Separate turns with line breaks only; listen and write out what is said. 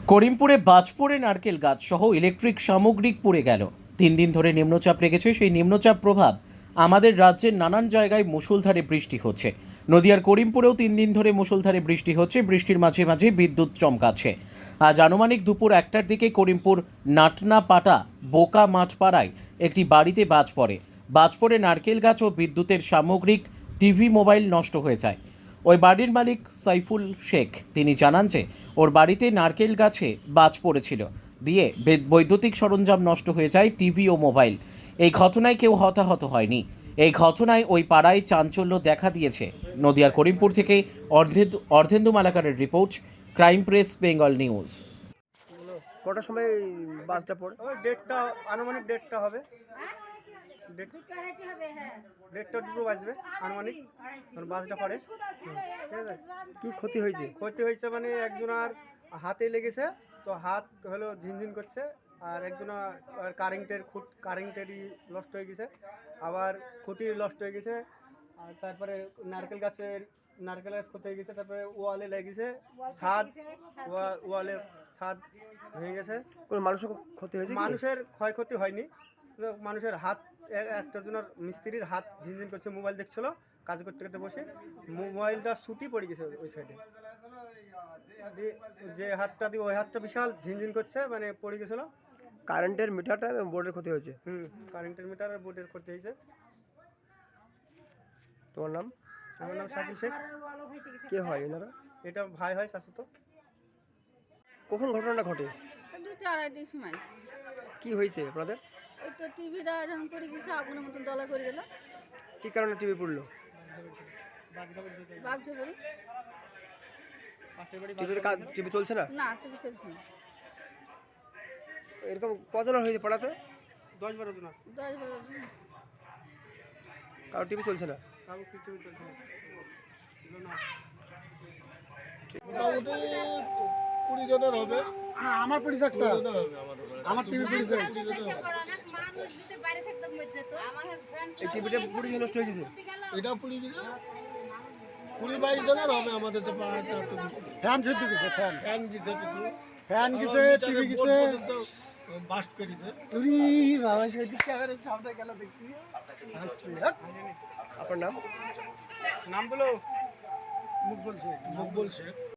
করিমপুরে বাজ পড়ে নারকেল গাছ সহ ইলেকট্রিক সামগ্রিক পুড়ে গেল। 3 দিন ধরে নিম্নচাপ রেখেছে। সেই নিম্নচাপ প্রভাব আমাদের রাজ্যের নানান জায়গায় মুষলধারে বৃষ্টি হচ্ছে। নদিয়ার করিমপুরেও 3 দিন ধরে মুষলধারে বৃষ্টি হচ্ছে। বৃষ্টির মাঝে মাঝে বিদ্যুৎ চমকাচ্ছে। আজ আনুমানিক দুপুর 1টার দিকে করিমপুর নাটনাপাটা বোকা মাঠপাড়ায় একটি বাড়িতে বাজ পড়ে। বাজ পড়ে নারকেল গাছ ও বিদ্যুতের সামগ্রিক টিভি মোবাইল নষ্ট হয়ে যায়। ওই বাড়ির মালিক সাইফুল শেখ তিনি জানান যে ওর বাড়িতে নারকেল গাছে বাজ পড়েছিল, দিয়ে বৈদ্যুতিক সরঞ্জাম নষ্ট হয়ে যায়, টিভি ও মোবাইল। এই ঘটনায় কেউ হতাহত হয়নি। এই ঘটনায় ওই পাড়ায় চাঞ্চল্য দেখা দিয়েছে। নদিয়ার করিমপুর থেকে অর্ধেন্দু মালাকারের রিপোর্ট, ক্রাইম প্রেস বেঙ্গল নিউজ।
কটার সময় বাসটা পড়ে?
ওই ডেটটা আনুমানিক ডেটটা হবে, ডেটটা দুটো বাজবে আনুমানিক বাসটা পড়ে। ঠিক আছে,
কি ক্ষতি হয়েছে?
ক্ষতি হয়েছে মানে একজনের হাতে লেগেছে, তো হাত হলো ঝিনঝিন করছে, আর একজনের কারেন্টেরই নষ্ট হয়ে গেছে, আবার খুঁটি নষ্ট হয়ে গেছে, আর তারপরে নারকেল গাছ ক্ষতি হয়ে গেছে, তারপরে ওয়ালে লেগেছে, ওয়ালের ছাদ ভেঙে গেছে।
কোনো মানুষের ক্ষতি হয়েছে?
মানুষের ক্ষয়ক্ষতি হয়নি, মানুষের হাত একটা জনের মিস্ত্রির হাত ঝিনঝিন করছে, মোবাইল দেখছিল কাজ করতে করতে বসে, মোবাইলটা ছুটি পড়ে গেছে ওই সাইডে, যে হাতটা দিয়ে ওই হাতটা বিশাল ঝিনঝিন করছে, মানে পড়ে গেছিল।
কারেন্টের মিটারটা এবং বোর্ডের ক্ষতি হয়েছে।
কারেন্টের মিটার আর বোর্ডের ক্ষতি হয়েছে।
তোমার নাম?
আমার নাম সাইফুল শেখ।
কে হয় এনারা?
এটা ভাই হয় শাশুতো।
কখন ঘটনাটা ঘটে?
2টা-2:30টার সময়।
কি হয়েছে আপনাদের?
ওই তো টিভিটা যখন পড়ে গেছে, আগুনের মতন দলা পড়ে গেল।
কি কারণে টিভি পড়লো?
ভাবছে পড়ি
টিভি চলছে না?
না, টিভি চলছে না।
এরকম কজনের হয়েছে পাড়াতে?
10-12 জন।
10-12 জন।
কারো টিভি চলছে না?
কারো কিছু চলছে না।
মোটামুটি 20 জনের হবে। আমার পরিচয়টা আমার টিভি পরিচয়।
এই টিভিটা পুরো নষ্ট হয়ে গেছে।
এটা 20-22 জনের হবে আমাদের তো পাড়াটা। ফ্যান সেদ্ধ গেছে, ফ্যান গেছে কিছু, ফ্যান গেছে, টিভি গেছে, বাস্ট করেছে। উরি বাবা, সেদিক ক্যামেরার সামনে গেল দেখছি।
আপনার নাম?
নাম বলো।
মুকবুল শেখ।